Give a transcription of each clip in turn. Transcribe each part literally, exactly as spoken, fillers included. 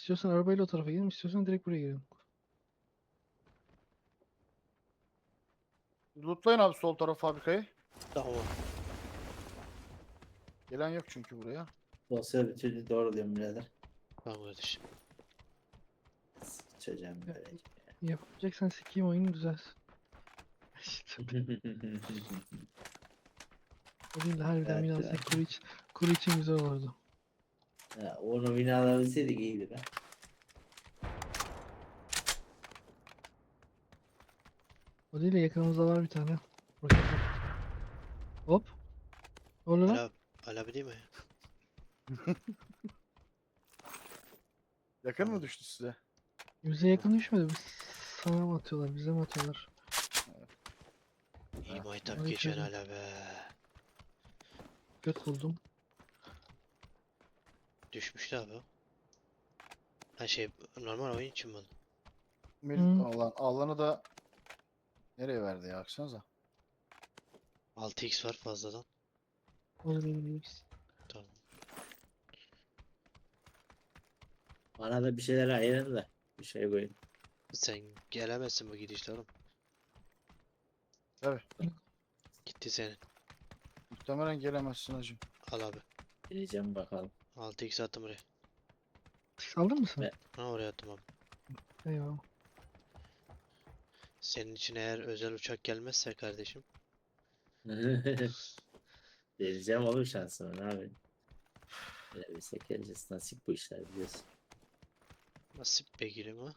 İstiyorsan arabayla o tarafa gidelim, istiyorsan direkt buraya girelim. Lootlayın abi sol taraf fabrikayı. Tamam. Gelen yok çünkü buraya. Dosya bir türlü doğru diyorum birader. Tamam kardeşim. Sıçacağım Ya. böyle. Yapacaksan sikeyim oyunu düzelsin. İşte o değil de harbiden Evet, biraz evet. kuru, iç, kuru için güzel olurdu. Ya, onu binalabilseydik iyiydi be. O değil de yakınımızda var bir tane. Roket var. Hop. Ne oluyor lan? Ala, ala değil mi? Yakın Tamam. mı düştü size? Bize yakın düşmedi. Biz sana mı atıyorlar, bize mi atıyorlar? İyi Ha, maytap hadi geçen çözüm. ala be. Göt buldum. Düşmüştü abi o. Ha şey normal oyun için mi oldu? Mil Hı. alan, alanı da nereye verdi ya? Baksanıza. altı x var fazladan. Olabiliriz. Tamam. Bana da bir şeyler ayırın da. Bir şey koyun. Sen gelemezsin bu gidişle oğlum. Tabii. Gitti senin. Muhtemelen gelemezsin hacım. Al abi. Gireceğim bakalım. altı x attım buraya. Aldın mı sen? Ve- Ha oraya attım abi. Eyvallah. Senin için eğer özel uçak gelmezse kardeşim. Deneyeceğim oğlum şansımı ne yapayım. Böyle bir sekereceğiz. Nasip bu işler biliyorsun. Nasip be gülüm ha.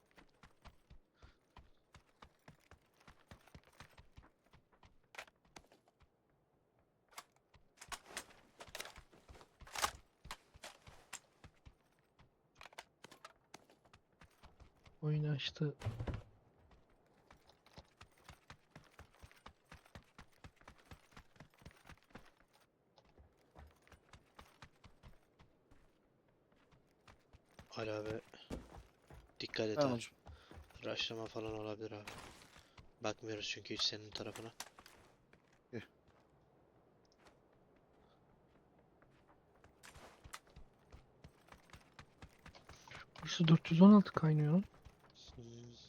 Oyunu açtı. Ala abi. Dikkat et Tamam ha. hacım. Rushlama falan olabilir abi. Bakmıyoruz çünkü hiç senin tarafına. Burası dört yüz on altı kaynıyor lan. Hmm.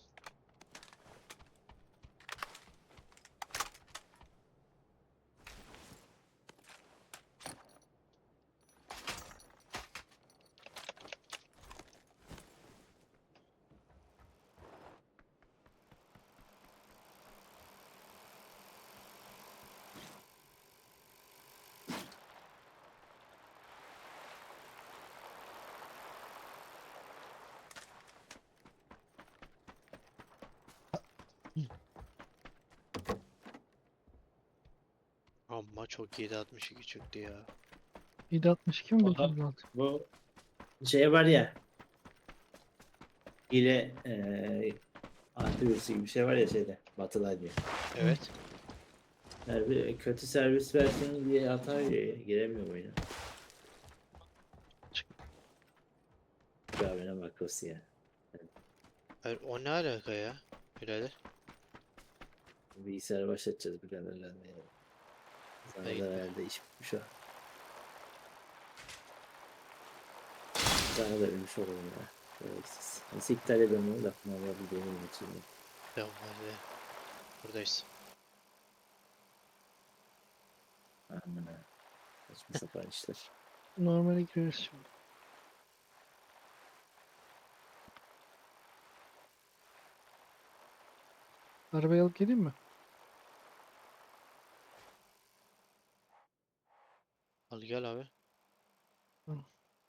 Amma çok yedi altmış iki çıktı ya. yedi altmış iki mi Aha. dokuz yüz altı? Bu şey var ya. Hile eee antivirüs gibi bir şey var ya şeyde. Batı'da diye. Evet. Yani bir kötü servis versiyonu diye hata veriyor ya. Giremiyor oyuna. Gavine makrosu ya. Hayır o ne alaka ya? Birader. Bilgisayarı başlatacağız biraderlerle ya. Sana da Hayır. herhalde iş bitmiş o. Sana da ölmüş olalım ya. Gereksiz. Nasıl iptal edemem onu lafını alabildiğimi için. Tamam hadi. Buradayız. Aman ha. Saçma sapan işler. Normale gireriz şimdi. Arabayı alıp geleyim mi? Al gel abi. Tamam.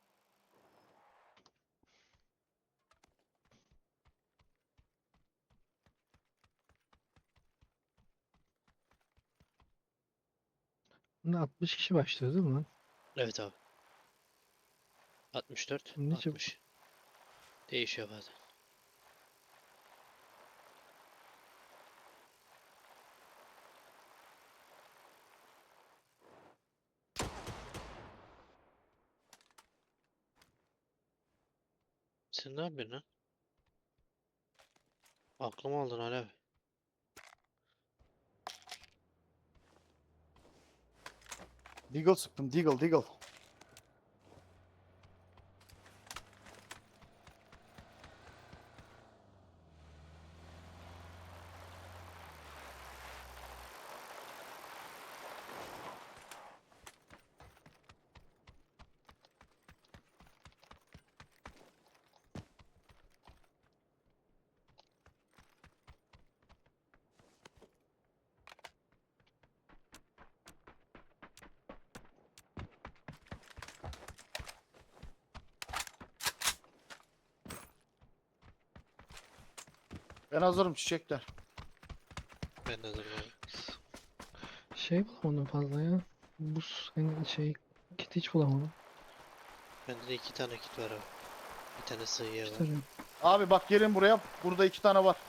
Bunda altmış kişi başlıyor değil mi lan? Evet abi. altmış dört, Ne çabuk. altmış. Değişiyor bazen. Sen ne yapıyorsun lan? Aklımı aldın hala. Deagle sıktım. Deagle, Deagle. Ben hazırım çiçekler. Ben de hazırım abi. Şey bulamadım fazla ya. Buz hani şey kit hiç bulamadım. Bende de iki tane kit var abi. Bir tane sığıya İşte var. arıyorum. Abi bak gelin buraya. Burada iki tane var.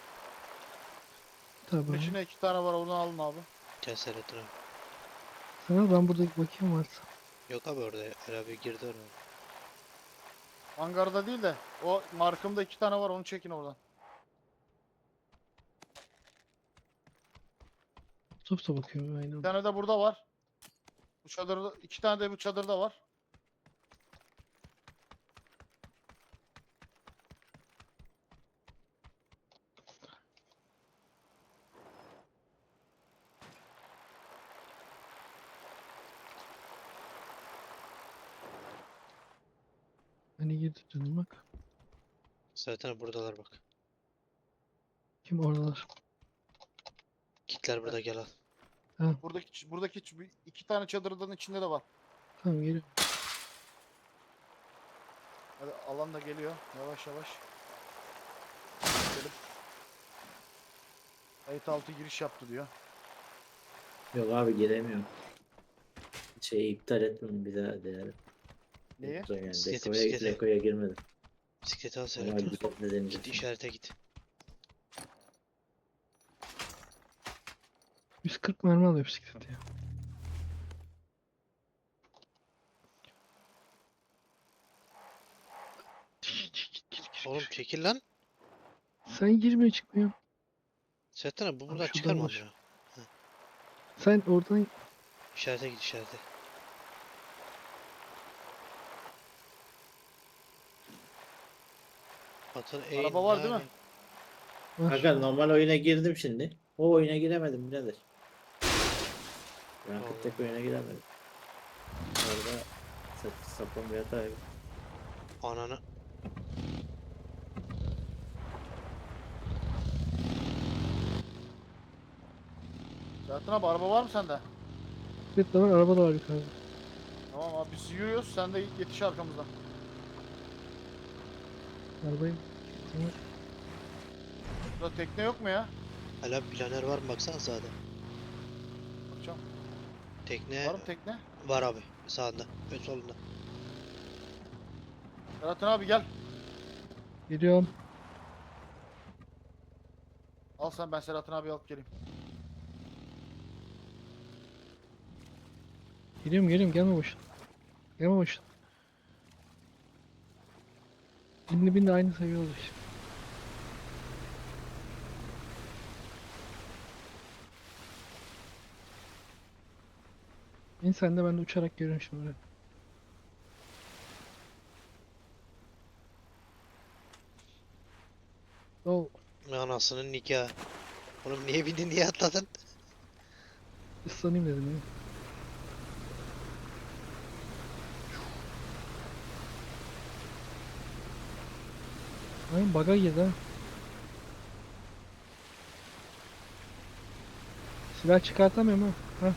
Bunun Tabii. içinde iki tane var. Onu alın abi. Gel Selahattin abi. Sana ben burada bakayım varsa. Yok abi orada. Er abi girdi oraya. Hangarda değil de o markımda iki tane var. Onu çekin oradan. Topta bakıyorum aynen. Bir tane de burada var. Bu çadırda iki tane de bu çadırda var. Hani girdi dönüm bak. Selahattin abi buradalar bak. Kim oradalar? Kitler burada gel al. Buradaki buradaki ç- iki tane çadırın içinde de var. Tamam geliyorum. Hadi alan da geliyor. Yavaş yavaş. Gidelim. Kayıt altı giriş yaptı diyor. Yok abi giremiyorum. Şeyi iptal etmedim bir daha değer. Neyi? Yani Bisikleti, dekoya, bisikleti. dekoya girmedim. Bisikleti al Ama Selahattin abi. gidip de deneyeceğim. Git işarete git. yüz kırk mermi alıyor bisiklet ya. Oğlum çekil lan. Sen girmiyor çıkmıyor. Selahattin abi bu buradan şuradan çıkar mı baş- amına? Sen oradan İşarete git işarete. Batın eğin Araba var değil mi? var. Kanka normal oyuna girdim şimdi. O oyuna giremedim birader. Ranked tek oyuna giremedim. Orada sap sapan bir hata yok. Ananı. Zaten abi araba var mı sende? Bisiklet de var, araba da var yukarıda. Tamam abi biz yürüyoruz. Sen de yetiş arkamızdan. Arabayı. Tamam. Burada tekne yok mu ya? Hala planer var mı baksana sağda. Bakacağım. Tekne Var mı tekne? var abi sağında. Ön solunda. Serhat'ın abi gel. Geliyorum. Al sen ben Serhat'ın abi alıp geleyim. Geliyorum geliyorum gelme boşuna. Gelme boşuna. Binle binle aynı seviye oldu işte. İn sen de ben de uçarak geliyorum şimdi buraya. Oh, Anasının nikahı. Oğlum niye bindin niye atladın? ıslanayım dedim ya. Aynen bug'a girdi ha. Silah çıkartamıyorum ha. Ha.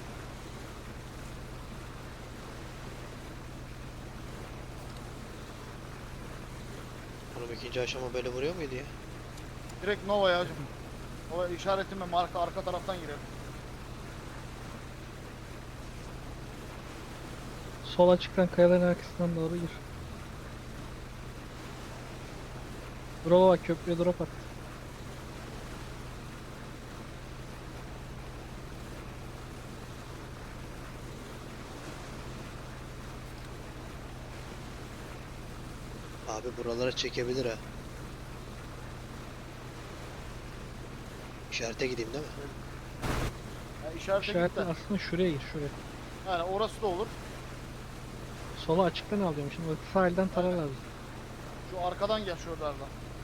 Oğlum ikinci aşama böyle vuruyor muydu ya? Direkt Nova'ya hacım. Nova işaretime marka arka taraftan girelim. Sol açıktan kayaların arkasından doğru gir. Drop'a bak, köprüye drop at. Abi buralara çekebilir ha. İşarete gideyim değil mi? Yani işarete git İşaretle de. aslında şuraya gir, şuraya. Yani orası da olur. Sola açıktan alıyorum şimdi. Bak sağ elden tarar lazım. Şu arkadan gel şuralardan.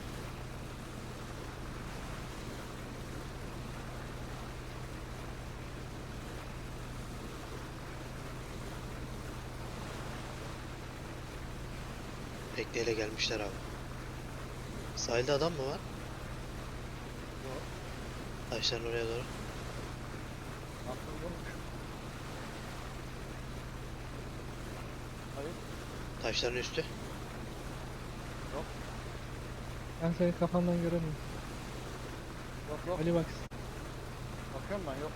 Tekneyle gelmişler abi. Sahilde adam mı var? Yok. Taşların oraya doğru. Aklım bulmuş. Hayır. Taşların üstü. Ben seni kafandan göremiyorum. Yok yok. Ali bak. Bakıyorum ben yok.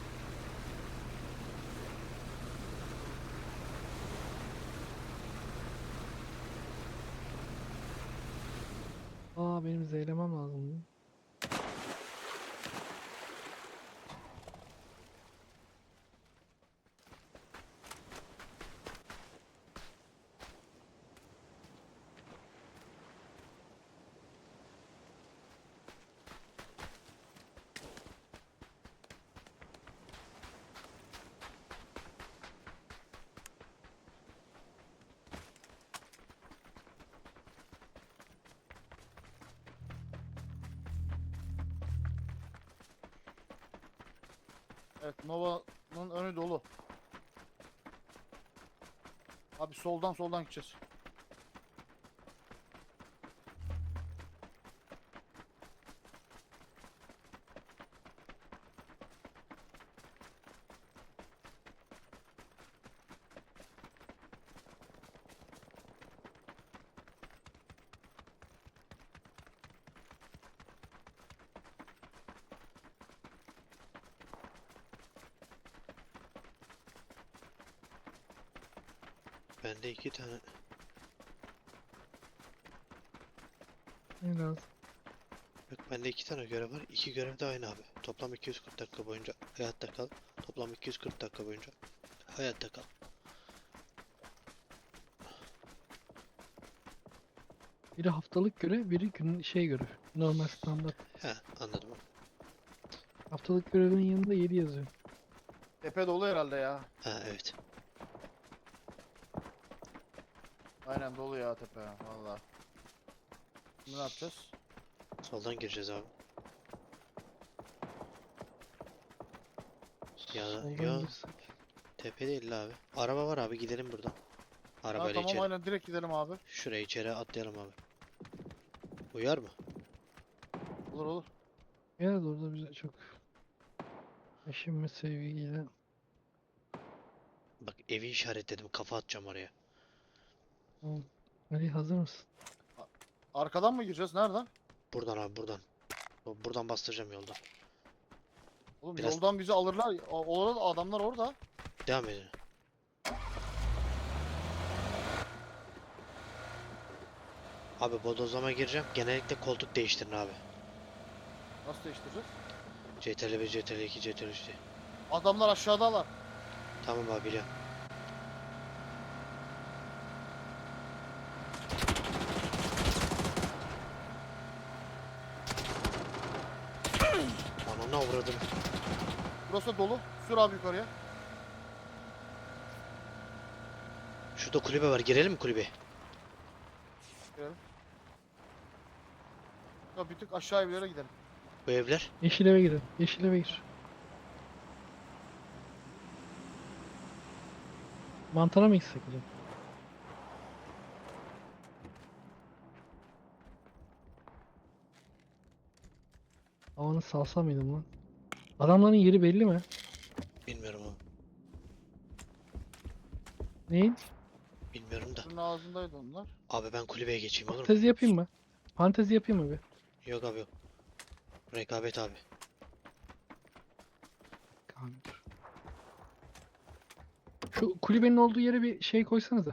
Aa benim zeylemem lazım. Evet, Nova'nın önü dolu. Abi soldan soldan gideceğiz. Bende iki tane. Ne lazım? Yok, bende iki tane görev var. İki görev de aynı abi. Toplam iki yüz kırk dakika boyunca hayatta kal. Toplam iki yüz kırk dakika boyunca hayatta kal. Biri haftalık görev, biri gün şey görev. Normal standart. He, anladım. Haftalık görevin yanında yedi yazıyor. Tepe dolu herhalde ya. Ha, evet. Aynen dolu ya tepe. Valla. Şimdi ne yapacağız? Soldan gireceğiz abi. Ya Soldan ya girsek. tepe değil la abi. Araba var abi, gidelim buradan. Ha, Arabayla tamam içeri. aynen direkt gidelim abi. Şuraya içeri atlayalım abi. Uyar mı? Olur olur. Ya da orada bize çok eşim ve sevgiyle. Bak, evi işaretledim, kafa atacağım oraya. Tamam. Ali hazır mısın? Arkadan mı gireceğiz? Nereden? Buradan abi, buradan. Bu- Buradan bastıracağım yoldan. Oğlum Biraz- yoldan bizi alırlar. O- Orada adamlar orada. Devam edin. Abi bodozlama gireceğim. Genellikle koltuk değiştirin abi. Nasıl değiştireceğiz? C T R bir, C T R iki, C T R üç diye. Adamlar aşağıdalar. Tamam abi, biliyorum. Ananı avradım. Burası dolu. Sür abi yukarıya. Şurada kulübe var. Girelim mi kulübe? Girelim. Ya bir tık aşağı evlere gidelim. Bu evler. Yeşil eve girin. Yeşil eve gir. Mantara mı gitsek acaba? Havanı salsa mıydım lan? Adamların yeri belli mi? Bilmiyorum abi. Neyin? Bilmiyorum da. Suyun ağzındaydı onlar. Abi ben kulübeye geçeyim, olur mu? Fantezi yapayım mı? Fantezi yapayım mı bir? Yok abi, yok. Rekabet abi. Kanka. Şu kulübenin olduğu yere bir şey koysanıza.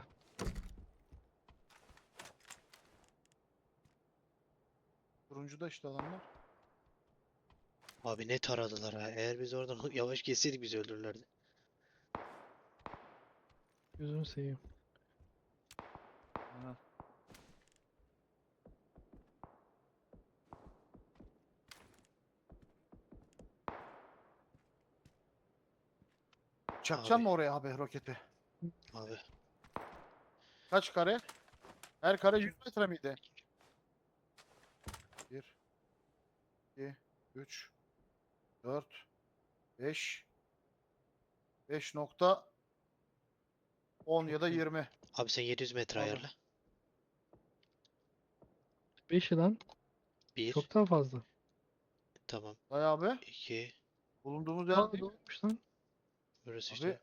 Turuncuda işte adamlar. Abi ne taradılar ha. Eğer biz oradan yavaş geçseydik bizi öldürürlerdi. Gözünü seveyim. Aynen. Çakacaksın Abi. mı oraya abi roketi? Abi. Kaç kare? Her kare yüz metre miydi? bir, iki, üç, dört, beş, beş nokta on ya da yirmi. Abi sen yedi yüz metre Abi. ayarla. beş yılan Bir. çok daha fazla. Tamam. Dayı abi. iki. Bulunduğumuz yer Aa değil. doğruymuş lan. Burası Abi işte.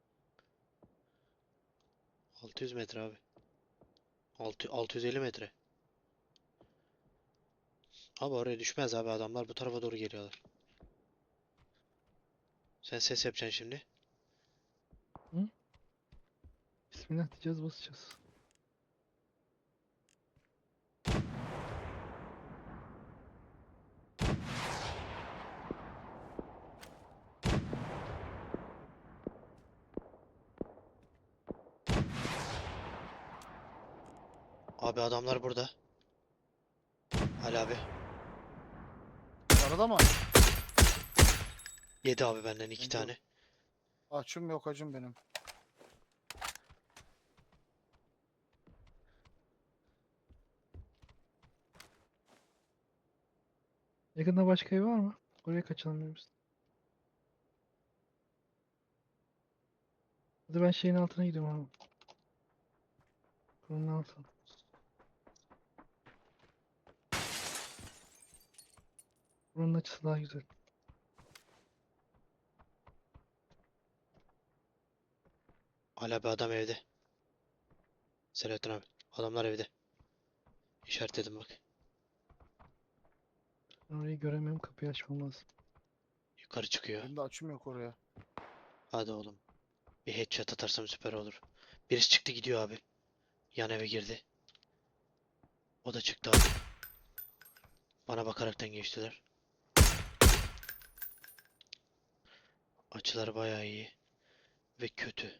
altı yüz metre abi. altı, altı yüz elli metre. Abi oraya düşmez abi, adamlar bu tarafa doğru geliyorlar. Sen ses yapacaksın şimdi. Bismillah diyeceğiz, basacağız. Abi adamlar burada. Ali abi. Arada mı? Yedi abi benden iki Bence- tane. Açım yok acım benim. Yakında başka ev var mı? Oraya kaçalım biz. Hadi ben şeyin altına gidiyorum abi. Kurunun altına. Buranın açısı daha güzel. Ali abi adam evde. Selahattin abi. Adamlar evde. İşaretledim bak. Ben orayı göremiyorum, kapıyı açmam lazım. Yukarı çıkıyor. Benim de açım yok oraya. Hadi oğlum. Bir headshot atarsam süper olur. Birisi çıktı gidiyor abi. Yan eve girdi. O da çıktı abi. Bana bakaraktan geçtiler. Açılar bayağı iyi. Ve kötü.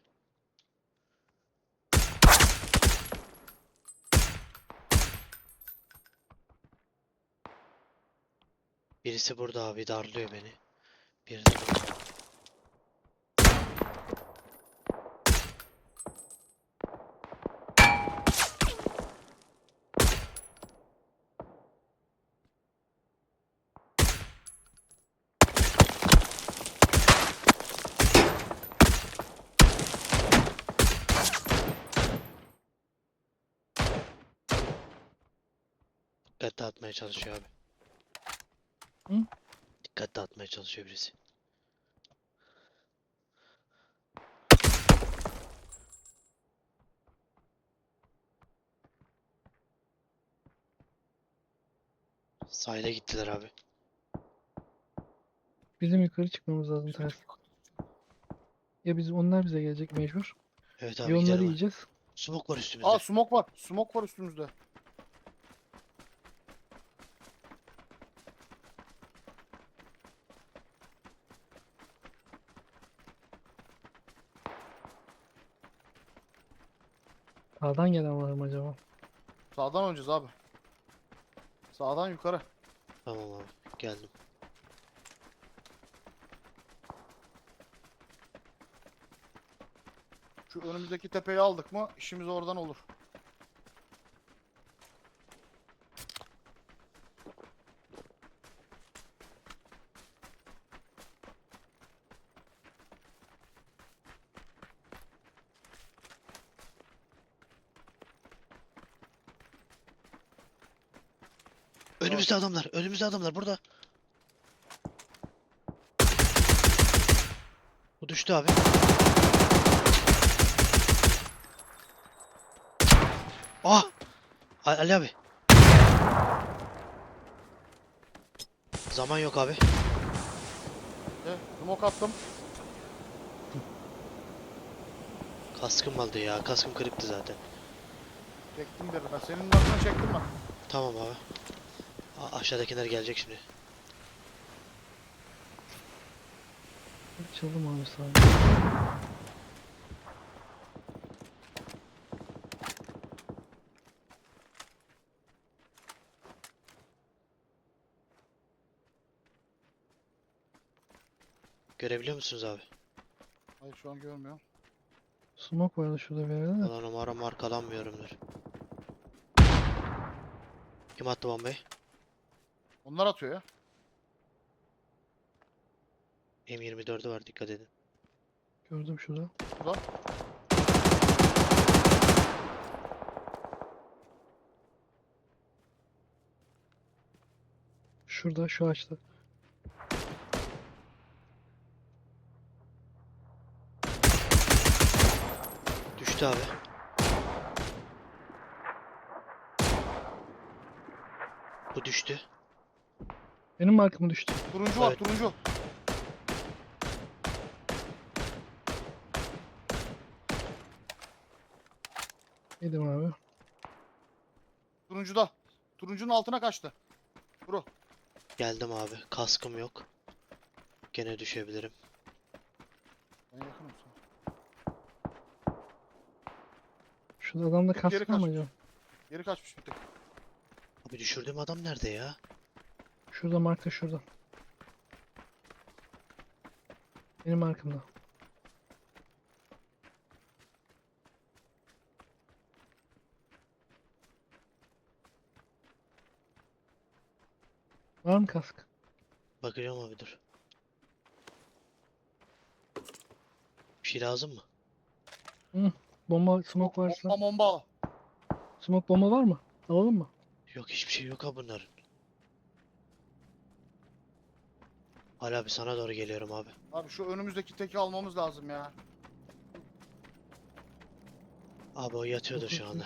Birisi burada abi, darlıyor beni. Biri de burada. Dikkat dağıtmaya çalışıyor abi. Hı? Dikkat dağıtmaya çalışıyor birisi. Sahile gittiler abi. Bizim yukarı çıkmamız lazım ters. Ya biz, onlar bize gelecek mecbur. Evet Ya abi onları gidelim abi. yiyeceğiz. Smoke var üstümüzde. Aa smoke var. Smoke var üstümüzde. Sağdan gelen var mı acaba? Sağdan oynayacağız abi. Sağdan yukarı. Tamam abi geldim. Şu önümüzdeki tepeyi aldık mı işimiz oradan olur. Önümüzde adamlar. Önümüzde adamlar burada. Bu düştü abi. Ah! A- Ali abi. Zaman yok abi. De, smoke attım. Kaskım aldı ya. Kaskım kırıktı zaten. Çektim birine. Senin altına çektim ben. Tamam abi. A- aşağıdakiler gelecek şimdi. Açalım abi sağdan. Görebiliyor musunuz abi? Hayır şu an görmüyorum. Smoke vardı şurada bir yerde de. Ulan umarım markalanmıyorumdur. Kim attı bombayı? Onlar atıyor ya. M yirmi dördü var, dikkat edin. Gördüm şurada. Burada. Şurada, şu ağaçta. Düştü abi. Bu düştü. Benim markım düştü. Turuncu var Evet. turuncu. Yedim abi. Turuncuda. Turuncunun altına kaçtı. Bro. Geldim abi. Kaskım yok. Gene düşebilirim. Ben yakınım sana. Şurada adamda Tek geri kask var mı kaçmış. acaba? Geri kaçmış bir tek. Abi düşürdüğüm adam nerede ya? Şurada marka şurada. Benim markamda. Var mı kask? Bakacağım abi dur. Bir şey lazım mı? Bomba, smoke Bo- varsa. Bomba bomba. Smoke bomba var mı? Alalım mı? Yok hiçbir şey yok abi bunların. Hala abi sana doğru geliyorum abi. Abi şu önümüzdeki teki almamız lazım ya. Abi o yatıyordur şu anda.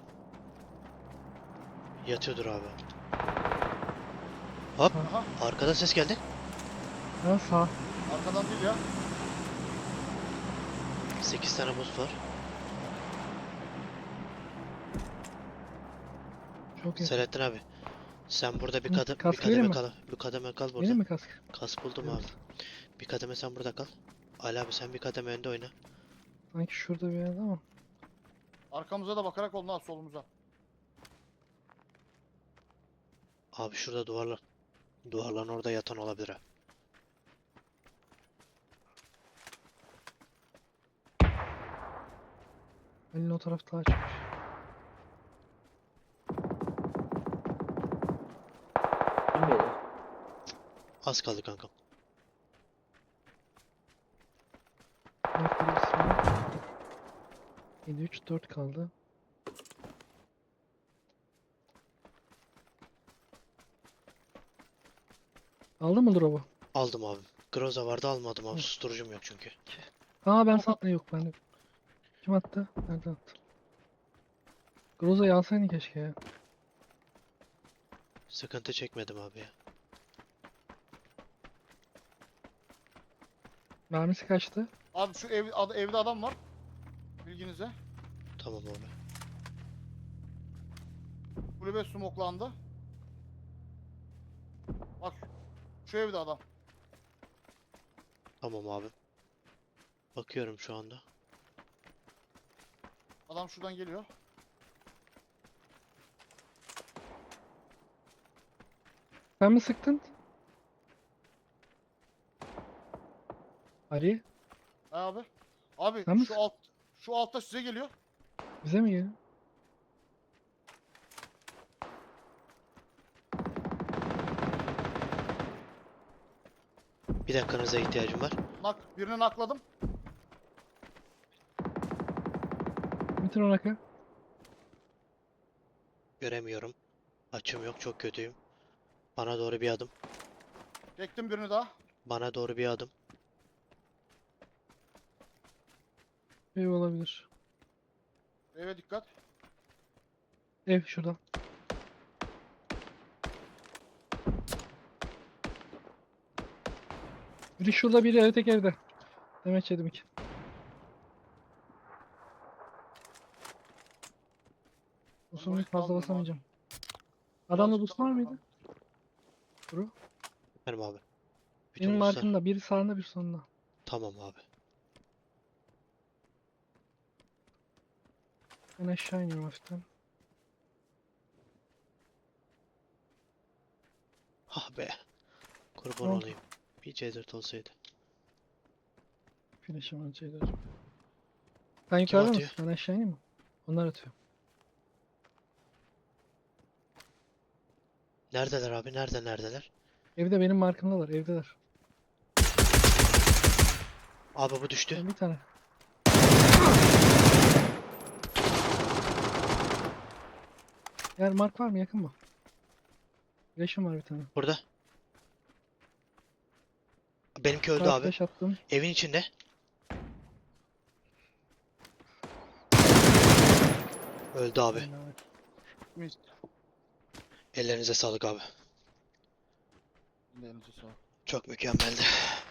Yatıyordur abi. Hop. Aha. Arkadan ses geldi. Ha sağ. Arkadan değil ya. sekiz tane buz var. Çok iyi. Selahattin abi. Sen burada bir Hı, kadem bir kask vereyim kademe mi? kal. Bir kademe kal burada. Benim mi kask? Kas buldum Evet. abi. Bir kademe sen burada kal. Ali abi sen bir kademe önde oyna. Sanki şurada bir yerde ama. Arkamıza da bakarak oldu ha solumuza. Abi şurada duvarlar. Duvarların orada yatan olabilir ha. Elini o tarafta açmış. Kim beyler? Az kaldı kankam. Marka birisi var. yedi üç dört kaldı. Aldın mı drop'u? Aldım abi. Groza vardı almadım abi. Hı. Susturucum yok çünkü. Aa ben sattım yok bende. Kim attı? Nerede attı? Groza'yı alsaydın keşke ya. Sıkıntı çekmedim abi ya. Mermisi kaçtı? Abi şu ev, ad- evde adam var. Bilginize. Tamam abi. Kulübe smoklandı. Bak şu evde adam. Tamam abi. Bakıyorum şu anda. Adam şuradan geliyor. Sen mi sıktın? Ali Ha abi. Abi Sen mi şu sık- alt şu altta size geliyor. bize mi geliyor? Bir dakikanıza ihtiyacım var. Nak birini nakladım. Bitir ona ka. Göremiyorum. Açım yok çok kötüyüm. Bana doğru bir adım. Çektim birini daha. Bana doğru bir adım. Ev olabilir. Eve dikkat. Ev şurada. Biri şurada biri ötek evde. Demek yedim iki. Uzun burayı fazla kaldırdım abi. basamayacağım. Adamda Birazcık boost var daha mıydı? bakalım. Bro. Benim abi. Bütün Benim boostlar- markımda biri sağında bir sonunda. Tamam abi. Ben aşağı iniyorum hafiften. Ah be. Kurban Ne oldu? olayım. Bir C dört olsaydı. Flash'ım var şeyler. Sen yukarıda atıyor? mısın? Ben aşağı ineyim mi? Onlar atıyor. Neredeler abi? Nerede neredeler? Evde benim markımdalar. Evdeler. Abi bu düştü. Ben bir tane. Yer mark var mı? Yakın mı? Flash'ım var bir tane. Burada. Benimki öldü Sağ abi. flash attım. Evin içinde. Öldü abi. Helal. Mis. Ellerinize sağlık abi. Elinize sağlık. Çok mükemmeldi.